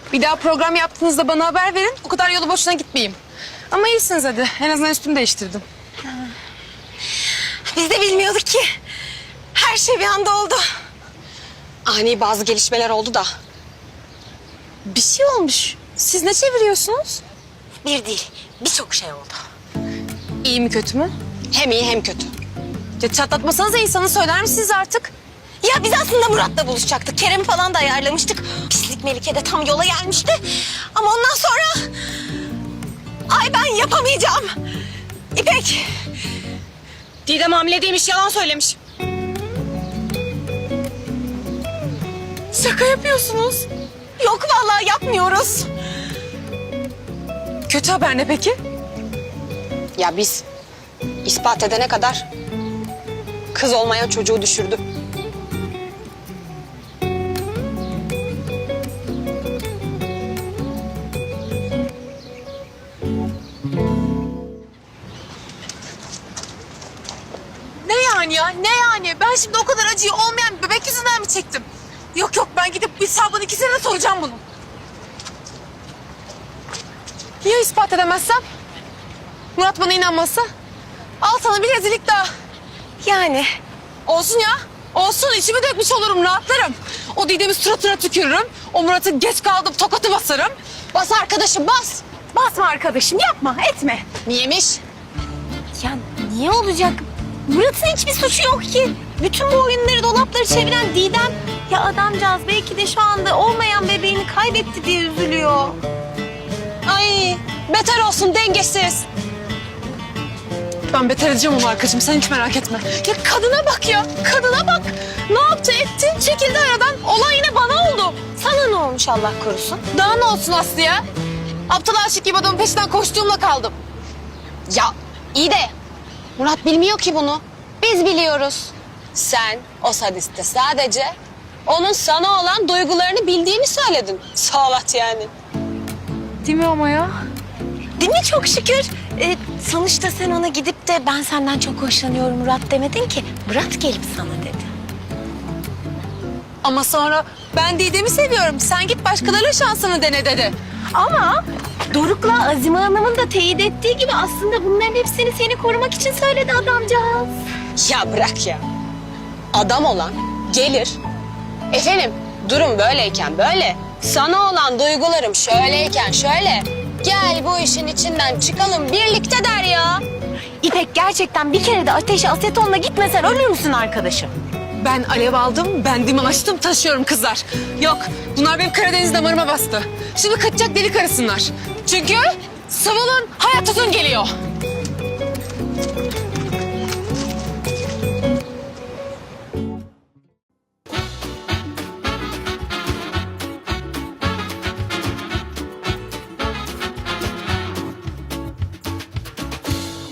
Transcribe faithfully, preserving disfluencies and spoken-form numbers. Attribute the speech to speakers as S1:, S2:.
S1: Bir daha program yaptığınızda bana haber verin. O kadar yolu boşuna gitmeyeyim. Ama iyisiniz hadi. En azından üstümü değiştirdim.
S2: Biz de bilmiyorduk ki. Her şey bir anda oldu. Ani bazı gelişmeler oldu da.
S1: Bir şey olmuş. Siz ne çeviriyorsunuz?
S2: Bir değil, birçok şey oldu.
S1: İyi mi kötü mü?
S2: Hem iyi hem kötü.
S1: Ya çatlatmasanız da insanı söyler misiniz artık?
S2: Ya biz aslında Murat'la buluşacaktık. Kerem falan da ayarlamıştık. Pislik Melike de tam yola gelmişti. Ama ondan sonra... Ay ben yapamayacağım. İpek. Didem hamile değilmiş, yalan söylemiş.
S1: Şaka yapıyorsunuz.
S2: Yok vallahi yapmıyoruz.
S1: Kötü haber ne peki?
S2: Ya biz ispat edene kadar kız olmayan çocuğu düşürdü.
S1: Ne yani ya? Ne yani? Ben şimdi o kadar acıyı olmayan bir bebek yüzünden mi çektim? Yok yok ben gidip hesabını ikisine de soracağım bunu. Ya ispat edemezsem? Murat bana inanmazsa? Al sana bir rezillik daha.
S2: Yani
S1: Olsun ya. Olsun içimi dökmüş olurum rahatlarım. O Didem'i suratına tükürürüm. O Murat'ı geç kaldım tokatı basarım.
S2: bas arkadaşım bas.
S1: Basma arkadaşım yapma etme.
S2: Niyemiş?
S3: Ya niye olacak? Murat'ın hiçbir suçu yok ki. Bütün bu oyunları, dolapları çeviren Didem. Ya adamcağız belki de şu anda olmayan bebeğini kaybetti diye üzülüyor.
S2: Ay beter olsun dengesiz.
S1: Ben beter edeceğim onu arkadaşım sen hiç merak etme. Ya kadına bak ya kadına bak. Ne yaptı etti çekildi aradan. Olay yine bana oldu.
S3: Sana ne olmuş Allah korusun?
S1: Daha ne olsun Aslı ya? Aptal aşık gibi adamın peşinden koştuğumla kaldım.
S2: Ya iyi de Murat bilmiyor ki bunu. Biz biliyoruz. Sen o sadiste sadece onun sana olan duygularını bildiğini söyledin. Sağlat yani.
S1: Değil mi ama ya?
S3: Değil mi çok şükür? Ee, sonuçta sen ona gidip de ben senden çok hoşlanıyorum Murat demedin ki. Murat gelip sana dedi.
S1: Ama sonra ben Didem'i seviyorum. Sen git başkalarıyla şansını dene dedi.
S3: Ama Doruk'la Azime Hanım'ın da teyit ettiği gibi aslında bunların hepsini seni korumak için söyledi adamcağız.
S2: Ya bırak ya. Adam olan gelir. Efendim durum böyleyken böyle. Sana olan duygularım şöyleyken şöyle. Gel bu işin içinden çıkalım birlikte der ya.
S3: İpek gerçekten bir kere de ateşe asetonla gitmesen ölür müsün arkadaşım?
S1: Ben alev aldım, ben diman açtım, taşıyorum kızlar. Yok, bunlar benim Karadeniz damarıma bastı. Şimdi kaçacak delik arasınlar. Çünkü Sıvı'nın hayat uzun geliyor.